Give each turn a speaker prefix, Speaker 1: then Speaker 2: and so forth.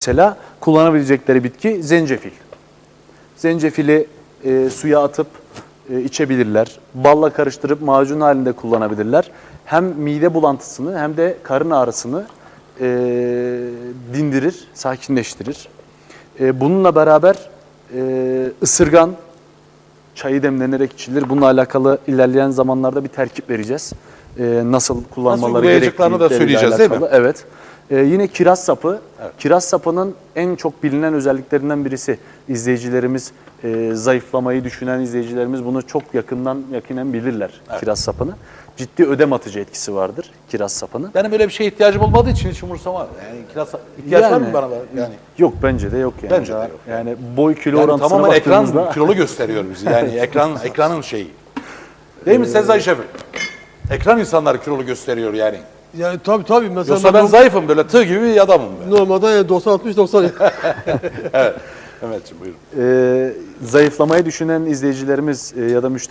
Speaker 1: Mesela kullanabilecekleri bitki zencefil. Zencefili suya atıp içebilirler. Balla karıştırıp macun halinde kullanabilirler. Hem mide bulantısını hem de karın ağrısını dindirir, sakinleştirir. Bununla beraber ısırgan çayı demlenerek içilir. Bununla alakalı ilerleyen zamanlarda bir terkip vereceğiz. Nasıl kullanmaları
Speaker 2: uygulayacaklarını da söyleyeceğiz, değil mi?
Speaker 1: Evet. Yine kiraz sapı.
Speaker 2: Evet.
Speaker 1: Kiraz sapının en çok bilinen özelliklerinden birisi. İzleyicilerimiz, zayıflamayı düşünen izleyicilerimiz bunu çok yakinen bilirler,
Speaker 2: Evet.
Speaker 1: kiraz sapını. Ciddi ödem atıcı etkisi vardır kiraz sapının.
Speaker 2: Benim öyle bir şeye ihtiyacım olmadığı için hiç umursamam. Yani kiraz ihtiyaç var mı bana? Yani
Speaker 1: Yok, bence de yok yani.
Speaker 2: Bence de yok.
Speaker 1: Yani boy kilo
Speaker 2: yani
Speaker 1: orantısına
Speaker 2: tamamen ekran
Speaker 1: baktığımızda
Speaker 2: kilolu gösteriyor bizi. Yani ekranın şeyi. Değil mi Sezai Şefim? Ekran insanları kilolu gösteriyor yani.
Speaker 3: Yani tabii mesela
Speaker 2: Yoksa ben zayıfım, böyle tığ gibi bir adamım ben.
Speaker 3: normalde yani 90-60-90
Speaker 2: Evet. Mehmetciğim buyurun.
Speaker 1: zayıflamayı düşünen izleyicilerimiz ya da müşterilerimiz